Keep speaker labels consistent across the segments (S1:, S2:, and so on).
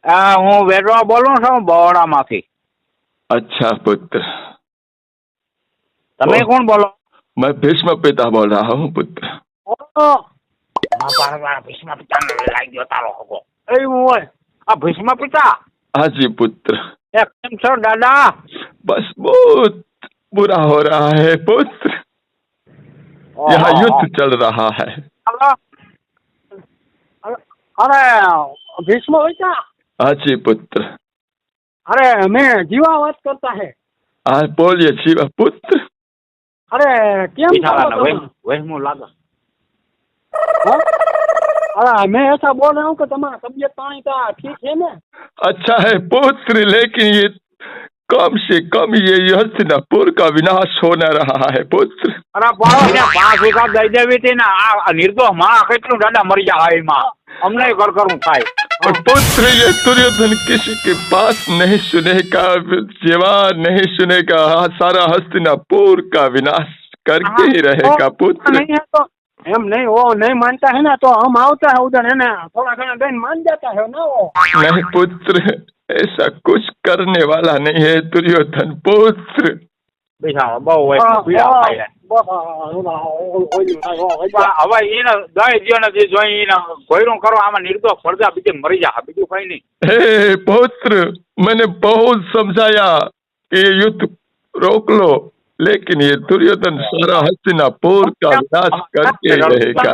S1: હું વેડવા બોલું છું બહોળામાંથી.
S2: अच्छा पुत्र।
S1: તમે કોણ બોલો?
S2: मैं भीष्म पिता बोल रहा हूँ पुत्र।
S1: ભીષ્મ પિતાને લાગી ગયો તારો હગો. એવું હોય આ ભીષ્મ પિતા?
S2: हाँ जी पुत्र।
S1: કેમ છો દાદા?
S2: बस बहुत बुरा हो रहा है पुत्र। यहाँ युद्ध चल रहा है।
S1: अरे भीष्म પિતા?
S2: हाँ जी पुत्र।
S1: अरे मैं जीवा बात करता है।
S2: हाँ बोलिए शिवा पुत्र।
S1: अरे केम वहमो लागा? अरे मैं ऐसा बोल रहा हूँ कि तुम्हारा तबीयत पानी का ठीक है ना?
S2: अच्छा है पुत्र, लेकिन ये कम से कम ये हस्तिनापुर का विनाश होने रहा है पुत्र।
S1: अरे ने 5 वीघा दई देवी थी ना आ निर्दोष मां કેટલું દાદા મરી જાય માં અમને કર કરું થાય।
S2: पुत्र ये दुर्योधन किसी के पास नहीं सुनेगा, जीवा नहीं सुनेगा, सारा हस्तिनापुर का विनाश करके ही रहेगा पुत्र।
S1: नहीं है तो हम नहीं, वो नहीं मानता है ना तो हम आवता है उधर है ना, थोड़ा घना दिन मान जाता है ना वो। नहीं
S2: पुत्र, ऐसा कुछ करने वाला नहीं है दुर्योधन पुत्र।
S1: હવે એને દઈ દો નથી જોઈ એને કોઈરું કરો આમાં નિર્દોષ પડદા બીજે મરી જા બીજું કઈ નહીં।
S2: हे पुत्र, मैंने बहुत समझाया कि ये युद्ध रोक लो, लेकिन ये दुर्योधन सारा हस्तिनापुर का विनाश करके रहेगा।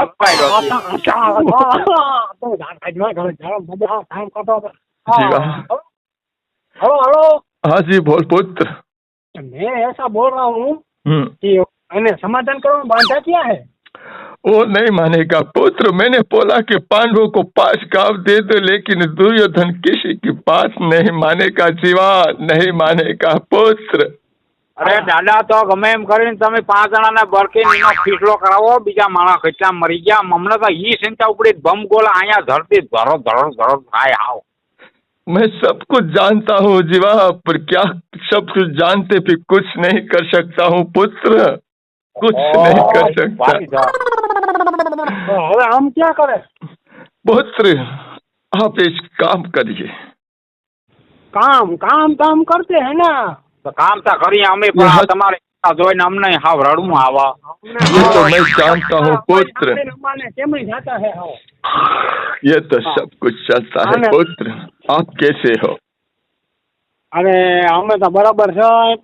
S1: Hello hello.
S2: हाँ जी बोल पुत्र।
S1: मैं ऐसा बोल रहा हूँ कि समाधान करो, बांधा क्या है?
S2: वो नहीं मानेगा पुत्र। मैंने बोला कि पांडवों को 5 गांव दे दो, लेकिन दुर्योधन किसी की बात नहीं मानेगा जीवा, नहीं मानेगा पुत्र।
S1: अरे दादा तो गमे एम करीने તમે 5 જણાને બરકીનો ફીસલો કરાવો, બીજા માણસ કેટલા મરી ગયા અમને તો ઈ ચિંતા ઉપડી બમ ગોલા અહીંયા ધરતી ધરો ધરો ધરો થાય આવ।
S2: मैं सब कुछ जानता हूँ जीवा, पर क्या सब कुछ जानते भी कुछ नहीं कर सकता हूँ पुत्र, कुछ नहीं कर सकता।
S1: હવે हम क्या करें?
S2: पुत्र आप एक काम करिए।
S1: काम काम काम करते हैं ना तो काम तो करिए हमें, पर तुम्हारे જોઈને અમને હાવ રડવું આવા।
S2: ये तो मैं जानता हूँ पुत्र,
S1: કેમ જાતા है
S2: ये तो सब कुछ चलता है पुत्र। आप कैसे हो?
S1: अरे हमें तो बराबर है।